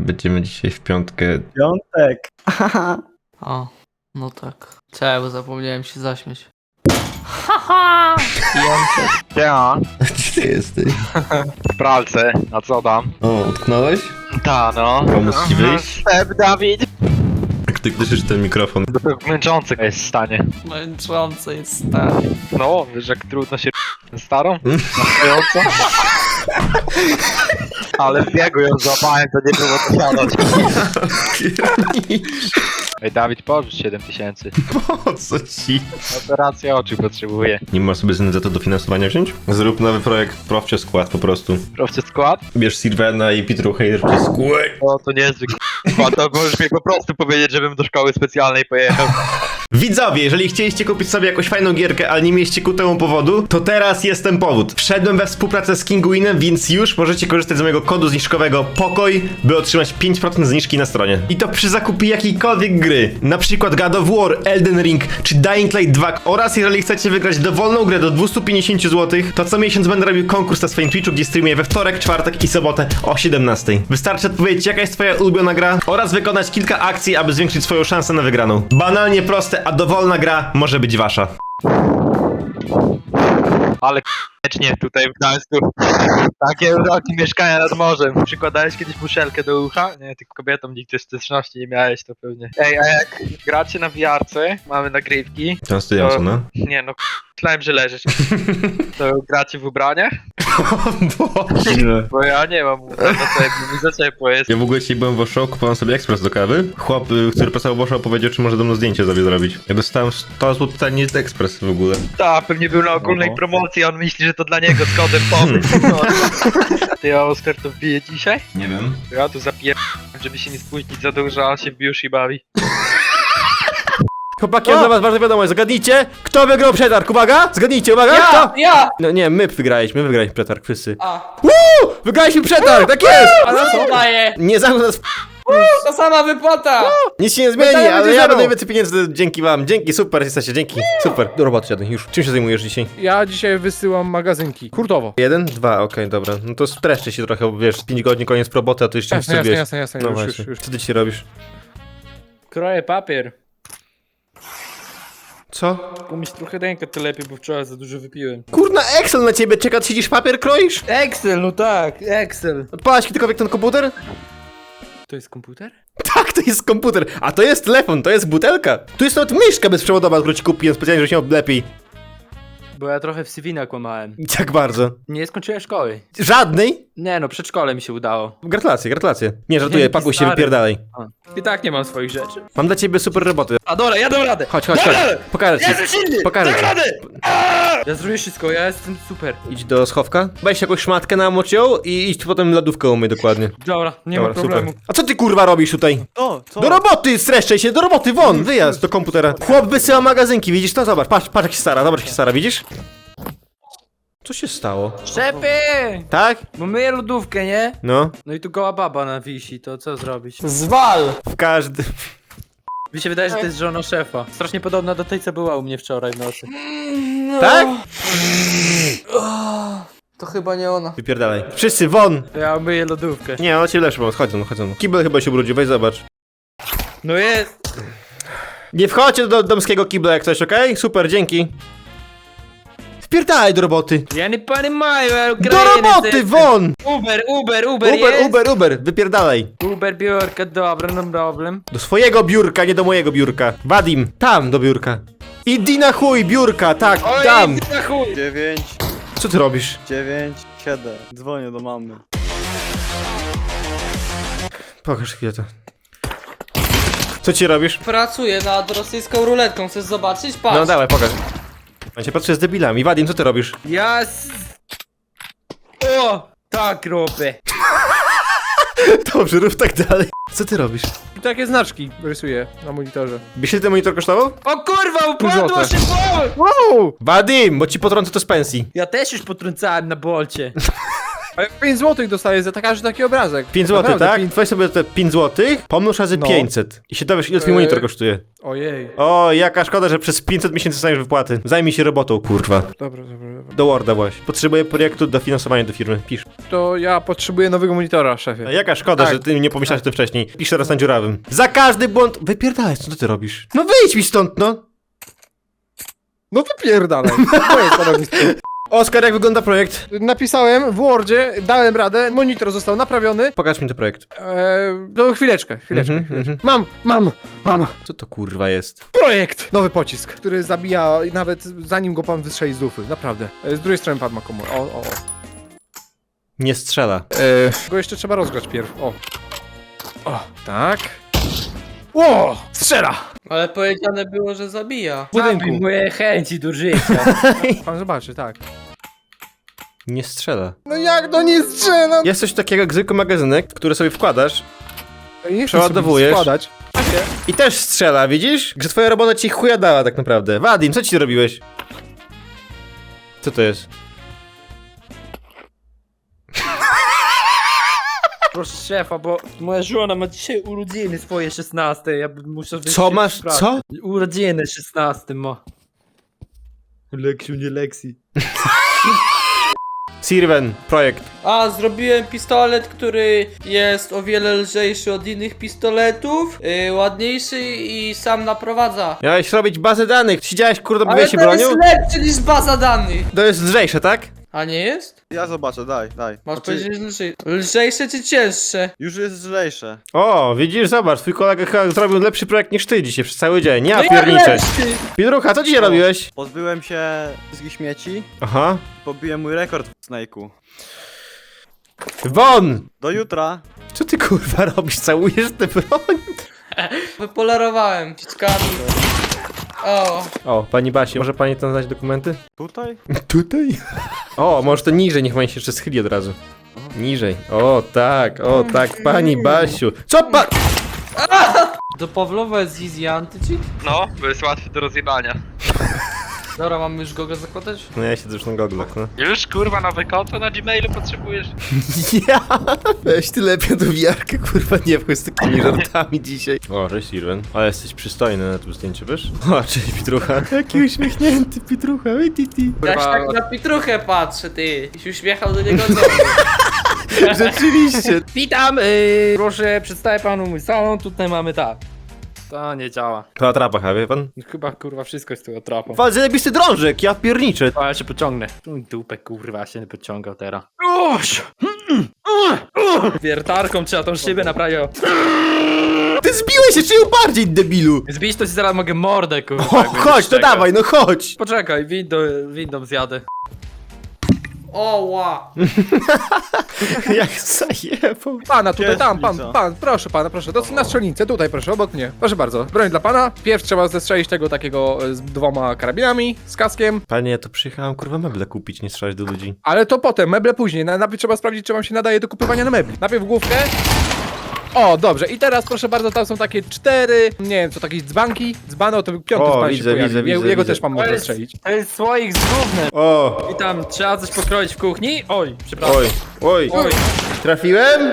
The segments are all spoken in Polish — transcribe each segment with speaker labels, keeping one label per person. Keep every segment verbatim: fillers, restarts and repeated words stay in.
Speaker 1: będziemy dzisiaj w piątkę.
Speaker 2: Piątek.
Speaker 3: O, no tak. Cześć, bo zapomniałem się zaśmiać. Haha! Piątek.
Speaker 4: Ja,
Speaker 1: Gdzie ty jesteś?
Speaker 4: w pralce, a co tam?
Speaker 1: O, utknąłeś?
Speaker 4: Ta no.
Speaker 1: Pomóc ci wyjść?
Speaker 4: Step, Dawid!
Speaker 1: Jak ty gdyżysz ten mikrofon?
Speaker 4: To męczący jest w stanie.
Speaker 3: Męczące jest stary.
Speaker 4: No, wiesz jak trudno się starą? Nastojąco? Ale w biegu ją złapałem, to nie było to siadać. Ej, Dawid, pożycz siedem tysięcy.
Speaker 1: Po co ci?
Speaker 4: Operacja oczu potrzebuję.
Speaker 1: Nie masz sobie z N Z-u dofinansowania wziąć? Zrób nowy projekt Profcie Skład po prostu.
Speaker 4: Profcie skład?
Speaker 1: Bierz Sylwena i Pitrucha i zróbcie skład.
Speaker 4: O, to niezły skład, to możesz mi po prostu powiedzieć, żebym do szkoły specjalnej pojechał.
Speaker 1: Widzowie, jeżeli chcieliście kupić sobie jakąś fajną gierkę, ale nie mieliście ku temu powodu, to teraz jest ten powód. Wszedłem we współpracę z Kinguinem, więc już możecie korzystać z mojego kodu zniżkowego POKOJ, by otrzymać pięć procent zniżki na stronie. I to przy zakupie jakiejkolwiek gry, na przykład God of War, Elden Ring czy Dying Light dwa. Oraz jeżeli chcecie wygrać dowolną grę do dwieście pięćdziesiąt złotych, to co miesiąc będę robił konkurs na swoim Twitchu, gdzie streamuję we wtorek, czwartek i sobotę o siedemnastej. Wystarczy odpowiedzieć, jaka jest twoja ulubiona gra oraz wykonać kilka akcji, aby zwiększyć swoją szansę na wygraną. Banalnie proste, a dowolna gra może być wasza.
Speaker 4: Ale k***cznie tutaj w Gdańsku. Takie uroki mieszkania nad morzem. Przykładałeś kiedyś muszelkę do ucha? Nie, tylko kobietom nigdy styczności nie miałeś, to pewnie. Ej, a jak gracie na wiarce, mamy nagrywki.
Speaker 1: Tam stojąco, no.
Speaker 4: Nie no, myślałem, że leżysz. To gracie w ubraniach?
Speaker 1: O Boże.
Speaker 4: Bo ja nie mam ubrań na sobie, bo mi za ciepło jest.
Speaker 1: Ja w ogóle dzisiaj byłem w Osho, kupowałem sobie ekspres do kawy. Chłop, y, który pracował w Osho, powiedział, czy może do mnie zdjęcie sobie zrobić. Ja dostałem sto złotych, to nie jest ekspres w ogóle.
Speaker 4: Tak, pewnie był na ogólnej
Speaker 2: Oho.
Speaker 4: promocji, a on myśli, że to dla niego z kodem powiem. No. Ty, a Oskar to wbije dzisiaj?
Speaker 1: Nie wiem.
Speaker 4: Ja tu zapiję, żeby się nie spóźnić za dużo, a się w Biushi bawi.
Speaker 5: Chłopaki, mam dla was ważna wiadomość, zgadnijcie, kto wygrał przetarg, uwaga, zgadnijcie, uwaga,
Speaker 3: Ja!
Speaker 5: kto?
Speaker 3: Ja!
Speaker 5: No nie, my wygraliśmy, my wygraliśmy przetarg, wszyscy.
Speaker 3: A!
Speaker 5: Uuu, wygraliśmy przetarg, tak jest!
Speaker 3: A na co daje?
Speaker 5: Nie zamknął nas, w-
Speaker 3: To sama wypłata!
Speaker 5: nic się nie zmieni,
Speaker 3: Pytanie
Speaker 5: ale
Speaker 3: będzie
Speaker 5: ja
Speaker 3: zero.
Speaker 5: będę więcej pieniędzy dzięki wam, dzięki, super jesteście, dzięki, super. Do roboty siadaj, już, czym się zajmujesz dzisiaj?
Speaker 2: Ja dzisiaj wysyłam magazynki. Hurtowo.
Speaker 5: Jeden, dwa, okej, dobra, no to streszcie się trochę, bo wiesz, pięć godzin, koniec roboty, a to jeszcze
Speaker 2: Jasne,
Speaker 5: nie
Speaker 2: jasne,
Speaker 5: wiesz.
Speaker 2: jasne, jasne,
Speaker 5: No
Speaker 2: już,
Speaker 5: właśnie,
Speaker 2: już, już.
Speaker 5: co ty dzisiaj robisz?
Speaker 2: Kroję papier.
Speaker 5: Co?
Speaker 2: Umyć trochę rękę, to lepiej, bo wczoraj za dużo wypiłem.
Speaker 5: Kurna, Excel na ciebie czeka, ty siedzisz papier kroisz?
Speaker 2: Excel, no tak, Excel.
Speaker 5: Odpalasz kiedykolwiek ten komputer?
Speaker 2: To jest komputer?
Speaker 5: Tak, to jest komputer, a to jest telefon, to jest butelka. Tu jest nawet myszka bezprzewodowa, którą ci kupiłem specjalnie, żeby się lepiej.
Speaker 2: Bo ja trochę w C V nakłamałem.
Speaker 5: I tak bardzo.
Speaker 2: Nie skończyłem szkoły.
Speaker 5: Żadnej?
Speaker 2: Nie no, przedszkole mi się udało.
Speaker 5: Gratulacje, gratulacje. Nie, żartuję,
Speaker 2: Dzięki,
Speaker 5: pakuj się,
Speaker 2: stary.
Speaker 5: wypierdalaj.
Speaker 2: A. I tak nie mam swoich rzeczy.
Speaker 5: Mam dla ciebie super roboty.
Speaker 2: A dobra, ja dam radę!
Speaker 5: Chodź, chodź,
Speaker 2: Dam
Speaker 5: chodź.
Speaker 2: radę!
Speaker 5: Pokażę ci.
Speaker 2: Jestem silny!
Speaker 5: Pokażę
Speaker 2: Dam
Speaker 5: ci.
Speaker 2: radę! Ja zrobię wszystko, ja jestem super.
Speaker 5: Idź do schowka, weź jakąś szmatkę na ją i idź potem lodówkę umyj dokładnie.
Speaker 2: Dobra, nie
Speaker 5: Dobra,
Speaker 2: ma problemu.
Speaker 5: super. A co ty kurwa robisz tutaj?
Speaker 2: O, co?
Speaker 5: Do roboty, streszczaj się, do roboty, won, wyjazd do komputera. Chłop wysyła magazynki, widzisz to? Zobacz, patrz, patrz jak się stara, zobacz jak się stara, widzisz? Co się stało?
Speaker 2: Szefy!
Speaker 5: Tak?
Speaker 2: Bo myję lodówkę, nie?
Speaker 5: No,
Speaker 2: No i tu goła baba na wisi, to co zrobić?
Speaker 3: Zwal!
Speaker 5: w każdym...
Speaker 2: Mi się wydaje, że to jest żona szefa. Strasznie podobna do tej, co była u mnie wczoraj w nocy.
Speaker 5: Tak?
Speaker 3: To chyba nie ona.
Speaker 5: Wypierdalaj. Wszyscy, won!
Speaker 2: To ja myję lodówkę.
Speaker 5: Nie, on ci lepszy pomóc, chodź no, chodź no. Kibel chyba się ubrudził, weź zobacz.
Speaker 2: No jest!
Speaker 5: Nie wchodźcie do domskiego kibla jak coś, okej? Super, dzięki. Wpierdalaj do roboty.
Speaker 2: Ja nie понимаю, ale
Speaker 5: Do roboty, won!
Speaker 2: Uber, Uber, Uber,
Speaker 5: Uber,
Speaker 2: jest?
Speaker 5: Uber, Uber, wypierdalaj.
Speaker 2: Uber, biurka, dobra, no problem.
Speaker 5: Do swojego biurka, nie do mojego biurka. Wadim, tam do biurka. Idź na chuj, biurka, tak, tam.
Speaker 2: na chuj!
Speaker 6: dziewięć,
Speaker 5: Co ty robisz?
Speaker 6: dziewięć, siedem. Dzwonię do mamy.
Speaker 5: Pokaż chwilę to. Co ci robisz?
Speaker 3: Pracuję nad rosyjską ruletką, chcesz zobaczyć? Patrz!
Speaker 5: No dawaj, pokaż. Ja się patrzę z debilami. Wadim, co ty robisz?
Speaker 2: Ja s... O! Tak robię.
Speaker 5: Dobrze, rób tak dalej. Co ty robisz?
Speaker 2: Takie znaczki rysuję na monitorze.
Speaker 5: Wiesz ile ten monitor kosztował?
Speaker 2: O kurwa, upadło
Speaker 6: złota.
Speaker 2: się bol!
Speaker 5: Wow! Wadim, bo ci potrącę to z pensji.
Speaker 2: Ja też już potrącałem na bolcie.
Speaker 7: A ja pięć złotych dostaję za każdy taki obrazek.
Speaker 5: pięć złotych,
Speaker 7: Naprawdę,
Speaker 5: tak?
Speaker 7: pięć-
Speaker 5: Weź sobie te pięć złotych, pomnóż razy
Speaker 7: No.
Speaker 5: pięćset. I się dowiesz, ile twój
Speaker 7: Eee.
Speaker 5: monitor kosztuje.
Speaker 7: Ojej.
Speaker 5: O, jaka szkoda, że przez pięćset miesięcy dostaniesz wypłaty. Zajmij się robotą, kurwa.
Speaker 7: Dobra, dobra, dobra.
Speaker 5: Do Worda właśnie. Potrzebuję projektu dofinansowania do firmy. Pisz.
Speaker 7: To ja potrzebuję nowego monitora, szefie.
Speaker 5: A jaka szkoda,
Speaker 7: Tak.
Speaker 5: że ty nie pomyślałeś o tym wcześniej. Pisz teraz na dziurawym. Za każdy błąd... Wypierdalaj, co ty robisz? No wyjdź mi stąd, no!
Speaker 7: No wypierdalaj. To jest stanowisko.
Speaker 5: Oskar, jak wygląda projekt?
Speaker 7: Napisałem w Wordzie, dałem radę, monitor został naprawiony.
Speaker 5: Pokaż mi ten projekt.
Speaker 7: Eee, no chwileczkę, chwileczkę,
Speaker 5: Mhm,
Speaker 7: chwileczkę.
Speaker 5: mhm.
Speaker 7: Mam, mam, mam.
Speaker 5: Co to kurwa jest?
Speaker 7: Projekt! Nowy pocisk, który zabija nawet zanim go pan wystrzeli z lufy, naprawdę. E, Z drugiej strony padł ma komór. O, o, o.
Speaker 5: Nie strzela.
Speaker 7: Eee, go jeszcze trzeba rozgrzać pierw. O. O, tak. Ło! Strzela!
Speaker 3: Ale powiedziane było, że zabija.
Speaker 7: W budynku.
Speaker 2: Zabij moje chęci do życia.
Speaker 7: Pan zobaczy, tak.
Speaker 5: Nie strzela.
Speaker 7: No jak to nie strzela?
Speaker 5: Jest coś takiego jak zwykły magazynek, który sobie wkładasz
Speaker 7: Ja nie chcę
Speaker 5: Przeładowujesz.
Speaker 7: sobie składać.
Speaker 5: i też strzela, widzisz? Że twoja robota ci chuja dała tak naprawdę. Wadim, co ci robiłeś? Co to jest?
Speaker 2: Proszę szefa, bo moja żona ma dzisiaj urodziny swoje szesnaste. Ja bym muszę wyjść
Speaker 5: Co
Speaker 2: w
Speaker 5: masz?
Speaker 2: pracę.
Speaker 5: Co?
Speaker 2: Urodziny szesnaste ma. Leksiu, nie Lexi.
Speaker 5: Sirven, projekt.
Speaker 3: A, zrobiłem pistolet, który jest o wiele lżejszy od innych pistoletów, yy, ładniejszy i sam naprowadza.
Speaker 5: Miałeś robić bazę danych. Siedziałeś, kurde,
Speaker 3: Ale
Speaker 5: bawiłeś się
Speaker 3: to
Speaker 5: bronią?
Speaker 3: jest lepszy niż baza danych.
Speaker 5: To jest lżejsze, tak?
Speaker 3: A nie jest?
Speaker 6: Ja zobaczę, daj, daj.
Speaker 3: Masz
Speaker 6: Znaczy,
Speaker 3: powiedzieć lżej. Lżejsze czy cięższe?
Speaker 6: już jest lżejsze.
Speaker 5: O, widzisz, zobacz, twój kolega chyba zrobił lepszy projekt niż ty dzisiaj przez cały dzień. Ja
Speaker 3: No jak
Speaker 5: pierniczę.
Speaker 3: lepszy?
Speaker 5: Pidrucha, co dzisiaj robiłeś?
Speaker 6: Pozbyłem się wszystkich śmieci,
Speaker 5: Aha.
Speaker 6: pobiłem mój rekord w Snake'u.
Speaker 5: Won!
Speaker 6: Do jutra.
Speaker 5: Co ty kurwa robisz? Całujesz tę broń?
Speaker 3: Wypolarowałem ciskami. O,
Speaker 5: O, pani Basiu, może pani tam znać dokumenty?
Speaker 6: Tutaj?
Speaker 5: Tutaj? O, może to niżej, niech pani się jeszcze schyli od razu. Niżej. O, tak, o, tak, pani Basiu. Co pa...
Speaker 3: do Pawlowa jest easy anti-cheat?
Speaker 4: No, bo jest łatwy do rozjebania.
Speaker 3: Dobra, mamy już go zakładać?
Speaker 5: No ja siedzę już na goglach, no.
Speaker 4: Już kurwa nowe konto na Gmailu potrzebujesz?
Speaker 5: Ja! Weź ty lepiej do wiarkę, kurwa, nie wchodź z takimi żartami dzisiaj. O, cześć Sirven. Ale jesteś przystojny na tym zdjęciu, wiesz? O, cześć Pitrucha. Jaki uśmiechnięty Pitrucha, oj ty ty.
Speaker 3: Ja się
Speaker 2: Kurwa,
Speaker 3: tak na Pitruchę patrzę, ty. I się uśmiechał do niego znowu.
Speaker 5: Rzeczywiście.
Speaker 2: Witam, yy, proszę przedstawię panu mój salon. Tutaj mamy tak. To nie działa.
Speaker 5: To atrapa, ha, wie pan?
Speaker 2: Chyba kurwa wszystko jest tu atrapą.
Speaker 5: Wal zajebisty drążek, ja pierniczę.
Speaker 2: A ja się pociągnę. Tu dupę kurwa się nie pociągał teraz. Oś! Wiertarką trzeba tą szybę naprawić.
Speaker 5: Ty zbiłeś się, czy ją bardziej, debilu?
Speaker 2: Zbić to ci zaraz mogę mordę kurwa.
Speaker 5: O,
Speaker 2: jak będziesz
Speaker 5: chodź, to
Speaker 2: czekał.
Speaker 5: dawaj, no chodź.
Speaker 2: Poczekaj, windą, windą zjadę.
Speaker 3: O, ła.
Speaker 5: Jak zajebał.
Speaker 7: Pana, tutaj,
Speaker 6: Jest
Speaker 7: tam, pan,
Speaker 6: ulica.
Speaker 7: pan, proszę pana, proszę, do, na strzelnicę, tutaj proszę, obok mnie. Proszę bardzo, broń dla pana. Pierw trzeba zestrzelić tego takiego e, z dwoma karabinami, z kaskiem,
Speaker 5: Panie, ja to przyjechałem kurwa meble kupić, nie strzelać do ludzi.
Speaker 7: ale to potem, meble później. Na- Najpierw trzeba sprawdzić, czy wam się nadaje do kupowania na mebli. Najpierw główkę. O, dobrze, i teraz proszę bardzo, tam są takie cztery, nie wiem, co takie dzbanki. Dzbano to piąty
Speaker 5: O,
Speaker 7: pan
Speaker 5: widzę,
Speaker 7: się pojawi.
Speaker 5: widzę,
Speaker 7: Je-
Speaker 5: widzę,
Speaker 7: Jego
Speaker 5: widzę.
Speaker 7: też pan
Speaker 2: To
Speaker 7: może
Speaker 2: jest,
Speaker 7: strzelić.
Speaker 2: to jest słoik z gównem.
Speaker 5: O,
Speaker 2: I tam trzeba coś pokroić w kuchni. Oj, przepraszam.
Speaker 5: oj, oj.
Speaker 2: Oj,
Speaker 5: Trafiłem?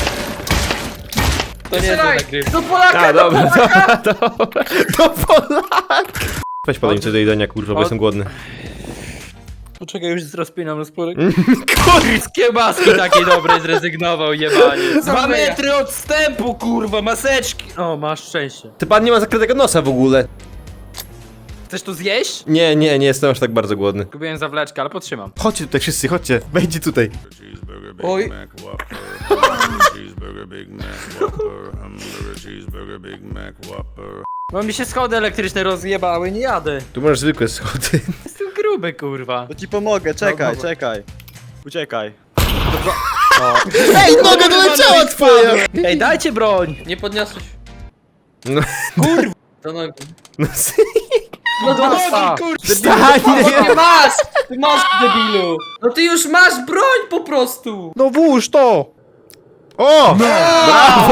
Speaker 2: to nie jest
Speaker 3: Strzelaj.
Speaker 2: nagryw.
Speaker 3: Do Polaka,
Speaker 5: A,
Speaker 3: do
Speaker 5: dobra,
Speaker 3: Polaka.
Speaker 5: dobra, dobra. To Polak! Weź podaj mi coś do jedzenia, kurwa, bo
Speaker 2: Od-
Speaker 5: jestem głodny.
Speaker 2: Poczekaj, już rozpinam rozporek. Kurwa, z kiełbaski takiej dobrej zrezygnował, jebanie. Dwa metry odstępu, kurwa, maseczki. O, masz szczęście.
Speaker 5: Ty pan nie ma zakrytego nosa w ogóle.
Speaker 2: Chcesz to zjeść?
Speaker 5: Nie, nie, nie jestem aż tak bardzo głodny.
Speaker 2: Kupiłem zawleczkę, ale potrzymam.
Speaker 5: Chodźcie tutaj wszyscy, chodźcie. Wejdźcie tutaj.
Speaker 8: Cheeseburger, Big
Speaker 3: Oj.
Speaker 8: Mac, Whopper. Hamburger, cheeseburger, Big Mac, Whopper. Hamburger, cheeseburger, Big Mac, Whopper.
Speaker 2: Bo mi się schody elektryczne rozjebały, nie jadę.
Speaker 5: Tu masz zwykłe schody.
Speaker 2: Jestem gruby, kurwa.
Speaker 6: To ci pomogę, czekaj,
Speaker 2: dobra.
Speaker 6: czekaj. Uciekaj.
Speaker 5: Ej, noga doleciała twoja!
Speaker 2: Ej, dajcie broń!
Speaker 3: Nie podniosłeś.
Speaker 5: No,
Speaker 3: Do nogi.
Speaker 5: no,
Speaker 3: No do nogi,
Speaker 7: A,
Speaker 5: wstań!
Speaker 3: Ty masz! Ty masz, debilu! No ty już masz broń po prostu!
Speaker 7: No włóż to!
Speaker 5: O! Brawo!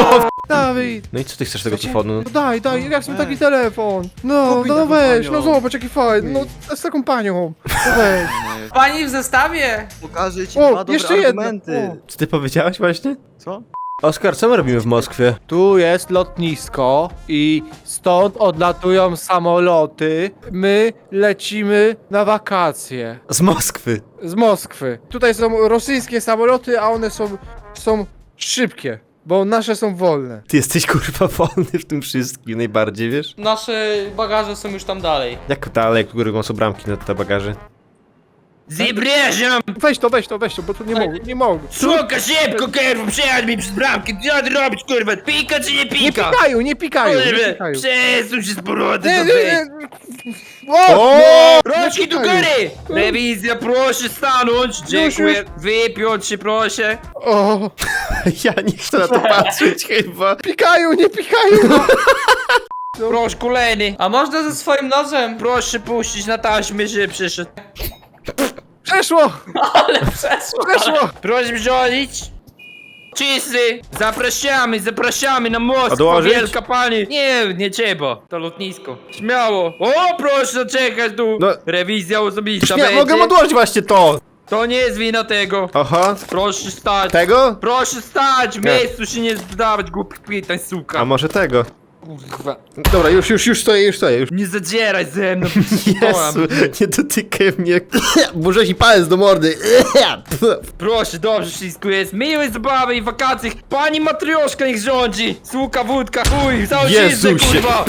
Speaker 7: Dawid!
Speaker 5: No i co ty chcesz tego telefonu?
Speaker 7: No daj, daj, ja chcę taki telefon. No,
Speaker 6: Kupię
Speaker 7: no
Speaker 6: taką
Speaker 7: weź,
Speaker 6: panią.
Speaker 7: no zobacz jaki fajny, no z taką panią. No weź.
Speaker 3: Pani w zestawie!
Speaker 6: Pokażę ci
Speaker 7: O,
Speaker 6: dwa dobre
Speaker 7: jeszcze jedno.
Speaker 6: argumenty.
Speaker 5: Co ty powiedziałeś właśnie?
Speaker 6: Co?
Speaker 5: Oskar, co my robimy w Moskwie?
Speaker 7: Tu jest lotnisko i stąd odlatują samoloty. My lecimy na wakacje
Speaker 5: Z Moskwy.
Speaker 7: z Moskwy. Tutaj są rosyjskie samoloty, a one są, są szybkie, bo nasze są wolne.
Speaker 5: Ty jesteś kurwa wolny w tym wszystkim najbardziej, wiesz?
Speaker 3: Nasze bagaże są już tam dalej.
Speaker 5: Jak dalej, które są bramki na te bagaże?
Speaker 2: Zapraszam!
Speaker 7: Weź to, weź to, weź to, bo tu nie mogę, nie mogę.
Speaker 2: Suka, szybko, kurwa, przejadł mi przez bramkę. Co ty robisz, kurwa? Pika czy nie
Speaker 7: Nie
Speaker 2: pika?
Speaker 7: pikają, nie pikają, nie
Speaker 2: Kurwa,
Speaker 7: pikają.
Speaker 2: przesuń się z powrotem
Speaker 7: Nie,
Speaker 2: do
Speaker 7: nie,
Speaker 2: wejścia.
Speaker 7: nie. O!
Speaker 5: O!
Speaker 2: Rączki do góry! Rewizja, proszę stanąć. Dziękuję. Wypiąć się, proszę.
Speaker 7: O!
Speaker 5: Ja nie chcę na to patrzeć chyba.
Speaker 7: Pikają, nie pikają!
Speaker 2: Proszę, kolejny.
Speaker 3: A można ze swoim nożem?
Speaker 2: Proszę puścić na taśmę, że przyszedł.
Speaker 7: Przeszło!
Speaker 3: Ale przeszło!
Speaker 7: Przeszło!
Speaker 2: Proszę wziąć. Czysty! Zapraszamy, zapraszamy na Moskwę,
Speaker 5: Odłożyć?
Speaker 2: wielka pani! Nie, nie trzeba, to lotnisko. Śmiało! O, proszę czekać tu!
Speaker 5: No.
Speaker 2: Rewizja osobista
Speaker 5: Nie,
Speaker 2: będzie.
Speaker 5: mogę odłożyć właśnie to.
Speaker 2: To nie jest wina tego.
Speaker 5: Aha.
Speaker 2: Proszę stać.
Speaker 5: Tego?
Speaker 2: Proszę stać, w
Speaker 5: Nie.
Speaker 2: miejscu się nie zdawać głupich pytań, suka.
Speaker 5: A może tego?
Speaker 2: Kurwa.
Speaker 5: Dobra, już, już, już stoję, już stoję, już.
Speaker 2: Nie zadzieraj ze mną.
Speaker 5: Jezu, nie dotykaj mnie. Burze ci palec do mordy.
Speaker 2: Proszę, dobrze wszystko jest. Miłej zabawy i wakacji. Pani matrioszka niech rządzi. Suka, wódka, chuj, cały
Speaker 5: Jezusie.
Speaker 2: kurwa.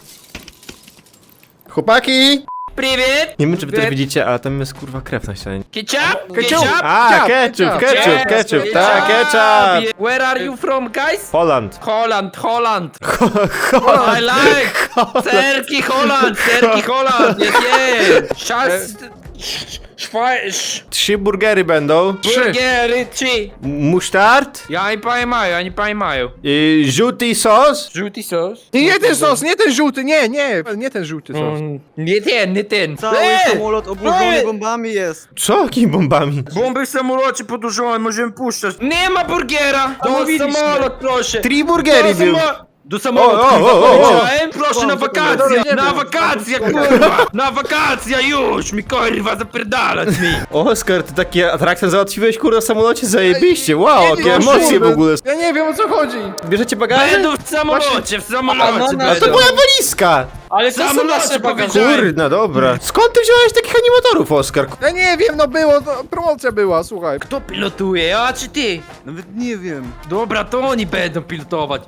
Speaker 5: Chłopaki!
Speaker 2: Привет!
Speaker 5: Nie wiem, czy wy też
Speaker 2: Привет.
Speaker 5: widzicie, ale tam jest kurwa krew na ścianie.
Speaker 2: Ketchup?
Speaker 7: Ketchup.
Speaker 5: A,
Speaker 7: Ketchup,
Speaker 5: ketchup, ketchup, ketchup, tak, ketchup!
Speaker 2: Where are you from, guys?
Speaker 5: Holland.
Speaker 2: Holland, Holland.
Speaker 5: Holland.
Speaker 2: I like. Serki Holland, Serki Holland. Jest, jest. Szas... Szwajsz...
Speaker 5: Trzy burgery będą.
Speaker 2: Burgery, trzy.
Speaker 5: Musztard.
Speaker 2: Ja nie pojmają, ja nie pojmają.
Speaker 5: Y, żółty sos.
Speaker 2: Żółty sos?
Speaker 7: Nie, nie ten sos, nie ten żółty, nie, nie, nie ten żółty sos.
Speaker 2: Mm, nie ten, nie ten.
Speaker 6: Cały
Speaker 2: Ej!
Speaker 6: samolot obłożony
Speaker 2: Ej!
Speaker 6: bombami jest.
Speaker 5: Co? Jakimi bombami?
Speaker 2: Bomby w samolocie podłużone, możemy puszczać. Nie ma burgera! Do
Speaker 7: mówiliśmy.
Speaker 2: samolot, proszę!
Speaker 5: Trzy burgery
Speaker 2: Do
Speaker 5: był.
Speaker 2: samo- Do samolotu,
Speaker 5: O, o,
Speaker 2: kurwa,
Speaker 5: o, o, o.
Speaker 2: powiedziałem. Proszę na wakacje!
Speaker 7: Dobra, nie
Speaker 2: Na
Speaker 7: wiem.
Speaker 2: wakacje, kurwa! Na wakacje już! Mi kurwa zapierdalać mi!
Speaker 5: Oskar, ty takie atrakcje załatwiłeś kurwa w samolocie? Zajebiście, wow,
Speaker 7: Nie,
Speaker 5: jakie
Speaker 7: nie,
Speaker 5: emocje w
Speaker 7: nie,
Speaker 5: ogóle.
Speaker 7: Ja nie wiem o co chodzi.
Speaker 5: Bierzecie bagaże?
Speaker 2: Będą w samolocie, w samolocie
Speaker 3: A, no, no,
Speaker 5: A to
Speaker 2: będą.
Speaker 5: była walizka!
Speaker 3: Ale to są
Speaker 2: Samolocie
Speaker 3: nasze bagaże.
Speaker 2: powiedziałem.
Speaker 5: Kurna, dobra. Skąd ty wziąłeś takich animatorów, Oskar?
Speaker 7: Ja nie wiem, no było, to promocja była, słuchaj.
Speaker 2: Kto pilotuje, ja czy ty?
Speaker 6: Nawet nie wiem.
Speaker 2: Dobra, to oni będą pilotować.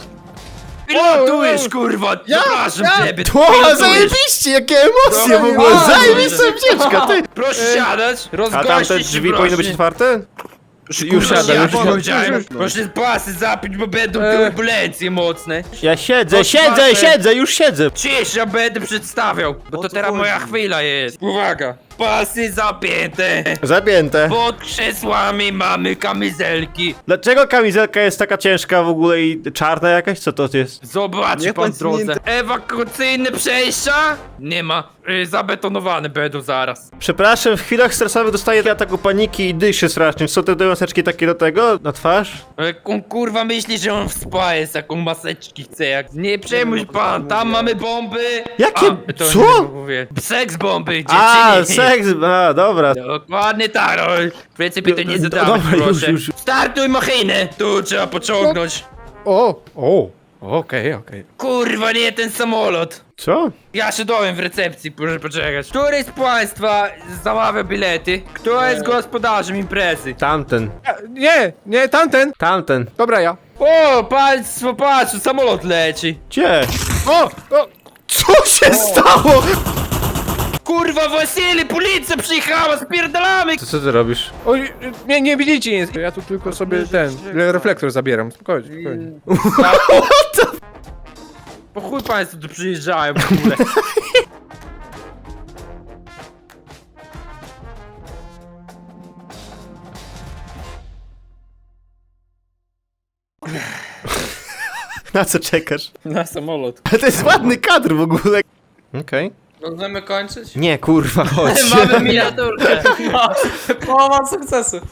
Speaker 2: Pilotujesz, kurwa!
Speaker 7: Ja?
Speaker 2: Zapraszam
Speaker 7: Ja?
Speaker 2: ciebie!
Speaker 5: To,
Speaker 2: pilotujesz.
Speaker 5: zajebiście, jakie emocje w
Speaker 2: Dobra,
Speaker 5: ogóle,
Speaker 2: dobra.
Speaker 5: zajebista ucieczka, ty!
Speaker 2: Proszę siadać,
Speaker 5: A
Speaker 2: rozgościć
Speaker 5: tamte
Speaker 2: się,
Speaker 5: drzwi
Speaker 2: proszę.
Speaker 5: powinny być otwarte? Już
Speaker 2: Kurwa,
Speaker 5: siadam,
Speaker 2: ja
Speaker 5: już
Speaker 2: to
Speaker 5: siadam.
Speaker 2: powiedziałem. Proszę pasy zapić, bo będą
Speaker 7: E.
Speaker 2: turbulencje mocne.
Speaker 5: Ja siedzę,
Speaker 2: To
Speaker 5: siedzę,
Speaker 2: otwarte.
Speaker 5: siedzę, już siedzę.
Speaker 2: Cisz, ja będę przedstawiał, bo
Speaker 6: O
Speaker 2: to
Speaker 6: co
Speaker 2: teraz
Speaker 6: chodzi?
Speaker 2: moja chwila jest. Uwaga! Pasy zapięte.
Speaker 5: Zapięte.
Speaker 2: Pod krzesłami mamy kamizelki.
Speaker 5: Dlaczego kamizelka jest taka ciężka w ogóle i czarna jakaś? Co to jest?
Speaker 2: Zobaczy
Speaker 6: Niech
Speaker 2: pan
Speaker 6: pan
Speaker 2: w drodze.
Speaker 6: zmieni-
Speaker 2: Ewakuacyjne przejścia? Nie ma. Y, zabetonowane będą zaraz.
Speaker 5: Przepraszam, w chwilach stresowych dostaję ataku paniki i dyszy strasznie. Co te dwie maseczki takie do tego? Na twarz?
Speaker 2: Jak on kurwa myśli, że on w spa jest, jaką maseczki chce. Jak... Nie przejmuj pan, tam mamy bomby.
Speaker 5: Jakie?
Speaker 2: A, to
Speaker 5: Co?
Speaker 2: nie mówię. Seks bomby, dziewczyny.
Speaker 5: A, seks, a, dobra.
Speaker 2: Dokładnie tak, no. Więcej pytań nie
Speaker 5: Do-
Speaker 2: zadawaj,
Speaker 5: dobra, już,
Speaker 2: proszę.
Speaker 5: już.
Speaker 2: Startuj machinę! Tu trzeba pociągnąć.
Speaker 7: O, o, okej, okej.
Speaker 2: Kurwa, nie ten samolot.
Speaker 5: Co?
Speaker 2: Ja się dowiem w recepcji, proszę poczekać. Który z państwa zamawia bilety? Kto jest gospodarzem imprezy?
Speaker 5: Tamten,
Speaker 7: E, Nie, nie, tamten.
Speaker 5: tamten.
Speaker 7: Dobra, ja.
Speaker 2: O, państwo, patrz, samolot leci.
Speaker 5: Gdzie?
Speaker 7: O, o,
Speaker 5: Co się stało?
Speaker 2: Kurwa, Wasili, policja przyjechała, spierdalamy!
Speaker 5: To co ty robisz?
Speaker 7: o, nie, nie widzicie nic. Ja tu tylko sobie ten, reflektor zabieram. Spokojnie, spokojnie.
Speaker 2: Po chuj państwo tu przyjeżdżają w ogóle.
Speaker 5: Na co czekasz?
Speaker 2: Na samolot.
Speaker 5: Ale to jest ładny kadr w ogóle. Okej.
Speaker 3: Możemy kończyć?
Speaker 5: Nie, kurwa, chodź.
Speaker 3: Mamy miniaturkę. Połowa sukcesu.